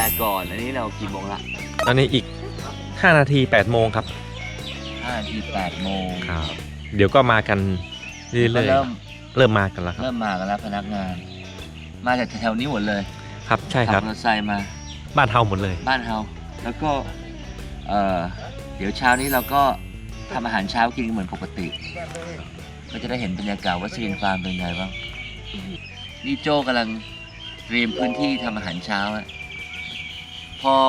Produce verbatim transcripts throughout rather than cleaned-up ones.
ก่อนอันนี้เรากี่โมงละตอนนี้อีกห้านาทีแปดโมงครับห้านาทีแปดโมงครับเดี๋ยวก็มากันเรื่อยๆเริ่มเริ่มมากันแล้วครับเริ่มมากันแล้วพนักงานมาจากแถวนี้หมดเลยครับใช่ครับขับมอเตอร์ไซค์มาบ้านเฮาหมดเลยบ้านเฮาแล้วก็เอ่อเดี๋ยวเช้านี้เราก็ทำอาหารเช้ากินเหมือนปกติก็จะได้เห็นบรรยากาศว่าซีนฟาร์มเป็นไงบ้างนี่โจกำลังเตรียมพื้นที่ทำอาหารเช้าอะพอ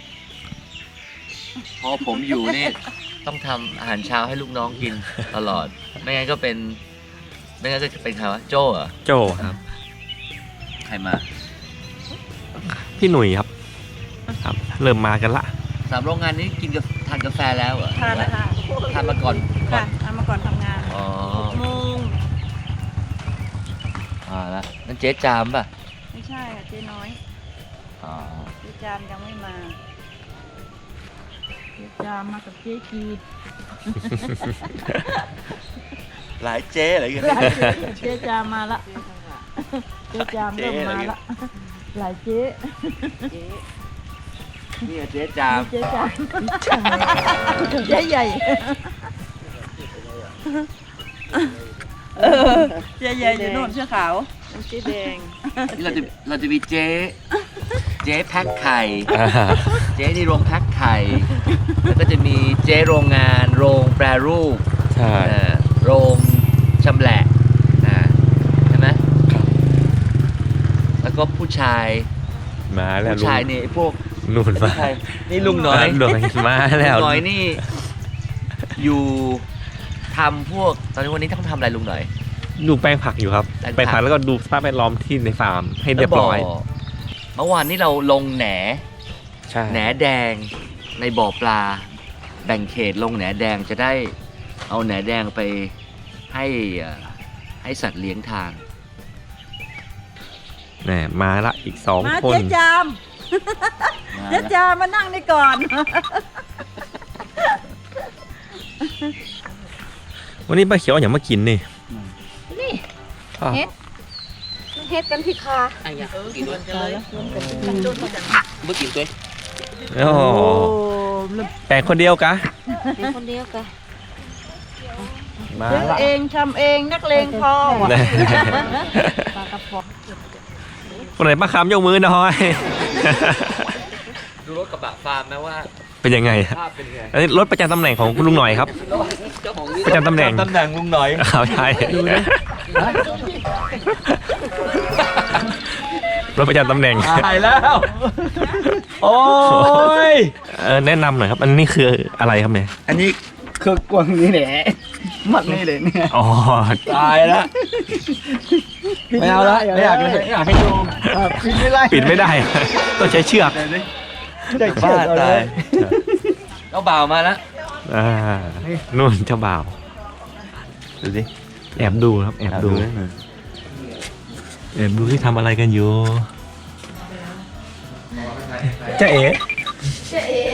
พอผมอยู่นี่ต้องทำอาหารเช้าให้ลูกน้องกินตลอดไม่งั้นก็เป็นไม่งั้นก็จะเป็นใครวะโจเหรอโจครับใครมาพี่หนุ่ยครับครับเริ่มมากันละสามโรงงานนี้กินกับทานกาแฟแล้วเหรอทานแล้วค่ะทานมาก่อนค่ะทานมาก่อนทำงานอ๋อโมงอ่าแล้วนั่นเจ๊จามป่ะไม่ใช่ค่ะเจ๊น้อยอ๋อเจ๊จามยังไม่มาเจ๊จามมากับเจ๊กีดหลายเจ๊อะไรกันเจ๊จามมาละเจ๊จามเริ่มมาละหลายเจ๊นี่เจ๊จามเจ๊จามเจ๊ใหญ่เออเจ๊ใหญ่อยู่โน่นเสื้อขาวเจ๊แดงนี่เราจะเราจะมีเจ๊เจ๊แพ็คไข่เจ๊ในโรงแพ็คไข่แล้วก็จะมีเจ๊โรงงานโรงแปรรูปใช่โรงชำแหละใช่ไหมแล้วก็ผู้ชายมาแล้วผู้ชายนี่พวกนุ่นมานี่ลุงน้อยลุงมาแล้วลุงน้อยนี่อยู่ทำพวกตอนนี้วันนี้ต้องทำอะไรลุงหน่อยดูแปลงผักอยู่ครับแปลงผักแล้วก็ดูสภาพแวดล้อมที่ในฟาร์มให้เรียบร้อยเมื่อวานนี้เราลงแหนแหนแดงในบ่อปลาแบ่งเขตลงแหนแดงจะได้เอาแหนแดงไปให้ให้สัตว์เลี้ยงทานแหมมาละอีกสองคนเจ๊จามเจ๊จามมานั่งนี่ก่อนวันนี้ป้าเขียวอย่างมากินนี่นี่เฮ็ดเฮ็ดกันที่คาไอ้ยากินด้วยเลยเมื่อกินด้วยโอ้แปลงคนเดียวกะแปลงคนเดียวกะซื้อเองทำเองนักเลงพอปลากระป๋องคนไหนมาค้ำยกมือหน่อยดูรถกระบะฟาร์มไหมว่าเป็นยังไงภาพเป็นยังไงอันนี้รถประจำตำแหน่งของคุณลุงหน่อยครับประจำตำแหน่งตำแหน่งลุงหน่อยเอาใช่รถประจำตำแหน่งตายแล้วโอ้ยแนะนำหน่อยครับอันนี้คืออะไรครับเนี่ยอันนี้คือกวางนี่แหละมัดนี่เลยเนี่ยอ๋อตายแล้วไม่เอาละไม่อยากเลยไม่อยากให้ดูปิดไม่ได้ปิดไม่ได้ต้องใช้เชือกบ้าตายเจ้าบ่าวมาแล้วอ่านู่นเจ้าบ่าวดูสิแอบดูครับแอบดูแอบดูที่ทำอะไรกันอยู่เจ๊เอ๋เจ๊เอ๋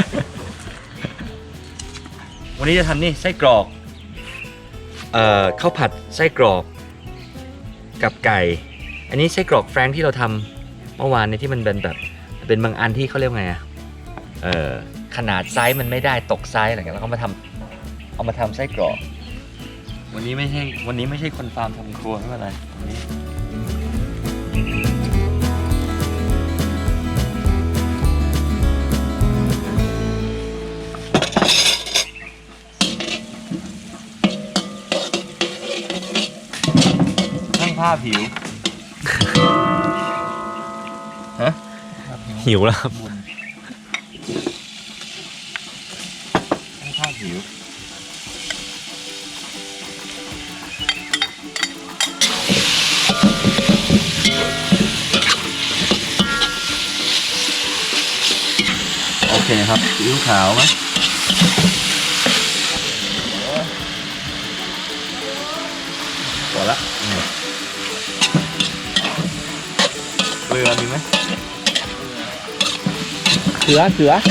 วันนี้จะทำนี่ไส้กรอกเอ่อข้าวผัดไส้กรอกกับไก่อันนี้ไส้กรอกแฟรงค์ที่เราทำเมื่อวานเนี่ยที่มันเป็นแบบเป็นบางอันที่เขาเรียกไงอ่ะเออขนาดไซส์มันไม่ได้ตกไซส์อะไรเงี้ยแล้วก็มาทำเอามาทำไส้กรอกวันนี้ไม่ใช่วันนี้ไม่ใช่คนฟาร์มทำครัวไม่เป็นไรวันนี้นั่งผ้าผิวฮะหิวแล้วครับข้าวหิวโอเคครับซีอิ๊วขาวไหมพอละเกลือมีไหมเขือเขือ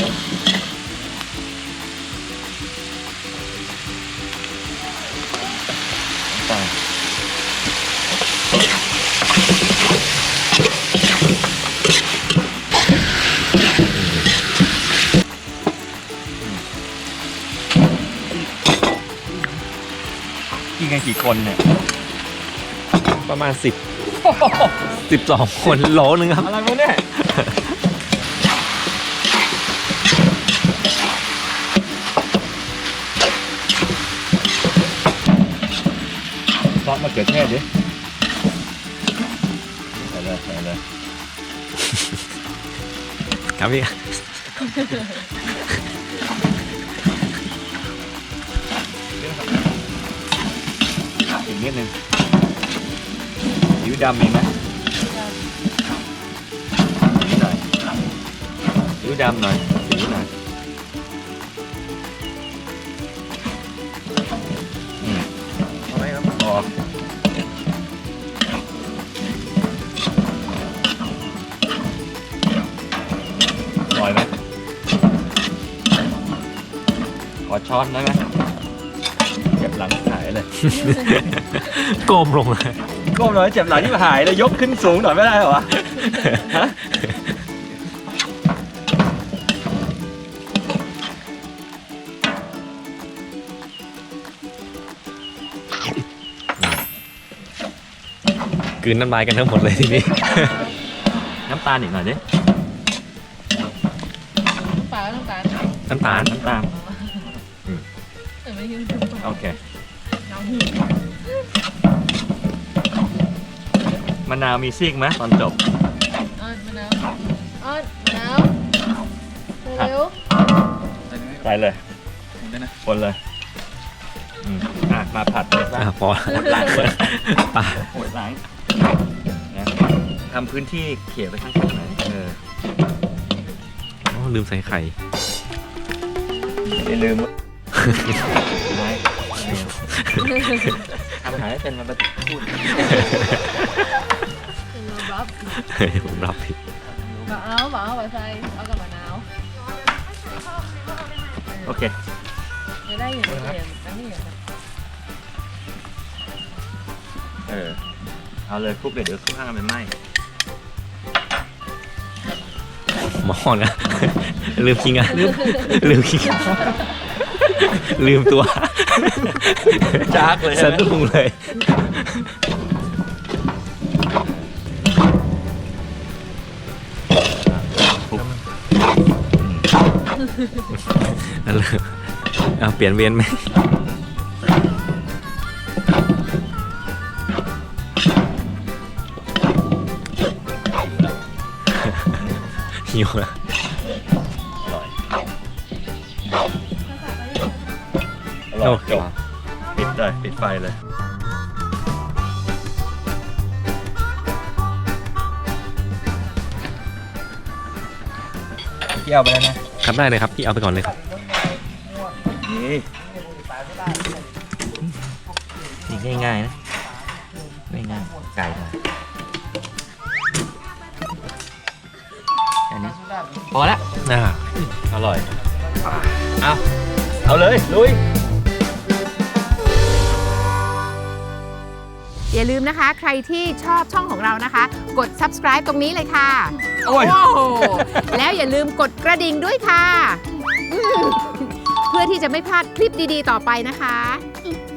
กี่คนเนี่ยประมาณสิบสิบสองคนโหลนึงครับอะไรวะเนี่ยซอสมะเขือเทศดิใส่เลยใส่เลยครับพี่อีกนิดนึงซีอิ๊วดำมีไหมนิดหน่อยซีอิ๊วดำหน่อยซีอิ๊วหน่อยอืมเอาไหมครับพออร่อยไหมขอช้อนได้ไหมเก็บหลังหายเลยโกมลงเลยก้มหน่อยเจ็บหลังที่หายเลยยกขึ้นสูงหน่อยไม่ได้เหรอวะฮะกลืนน้ำลายกันทั้งหมดเลยทีนี้น้ำตาลอีกหน่อยดิปลาต้องการน้ำตาลน้ำตาลแต่ไม่ยืนโอเคน้ำหิวมะนาวมีซีกไหมตอนจบอ้อนมะนาวอ้อนมะนาวเร็วใส่เลยคนเลยอืมอ่ะมาผัดเลยอ่ะพอหมดหลังเลยป่าหมดหลังนะทำพื้นที่เขี่ยไปข้างๆหน่อยเออโอ้ลืมใส่ไข่อย่าลืมไม่ทำหายเป็นมาพูดบับผมรับผิด bảo áo bảo áo bà say áoกับมะนาวโอเคในได้อยู่ในเรียนอันนี้อยู่นะเออเอาเลยคลุกเดี๋ยวเดี๋ยวคลุกข้างกันเป็นไหมหมอนะ ลืมคิงอ่ะลืมลืมคิงลืมตัวจากเลยสะดุ้งเลย นั่นเลยเอาเปลี่ยนเวียนไหมหิวนะอร่อยอร่อยจบปิดเลยปิดไฟเลยเกี่ยวไปแล้วนะครับได้เลยครับพี่เอาไปก่อนเลยครับนี่นี่ง่ายๆนะง่ายๆไก่หน่อยแค่นี้พอละน่าอร่อยเอาเอาเลยลุยอย่าลืมนะคะ ใครที่ชอบช่องของเรานะคะ กด subscribe ตรงนี้เลยค่ะโอ้ยโอ้โหแล้วอย่าลืมกดกระดิ่งด้วยค่ะอืมเพื่อที่จะไม่พลาดคลิปดีๆต่อไปนะคะ